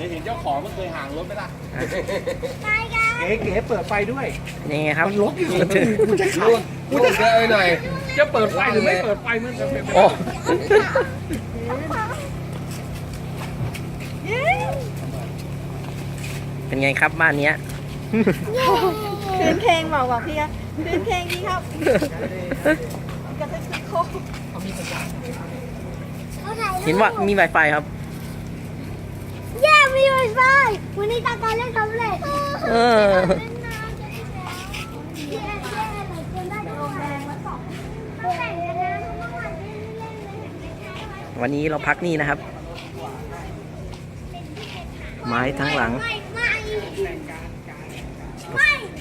เห็นเจ้าของมันเคยห่างรถไหมล่ะเก๋เปิดไฟด้วยนี่ไงครับมันลกอยู่กูจะขับกูจะเจอหน่อยจะเปิดไฟหรือไม่เปิดไฟมันจะเป็นโอ้เป็นไงครับบ้านเนี้ยคืนเพลงบอกพี่ครับคืนเพลงดีครับกระทึกคึกโคกเห็นว่ามี Wi-Fi ครับแย่มีไวไฟวันนี้ตาการเล่นสำเร็จเออเล่นนานจะอีกแล้วแย่หลายคนได้ด้วยแรงมาสองเขาแข่งกันนะเมื่อวานเล่นเลยไม่ใช่ไว้วันนี้เราพักนี่นะครับ ไม้ทั้งหลังไม่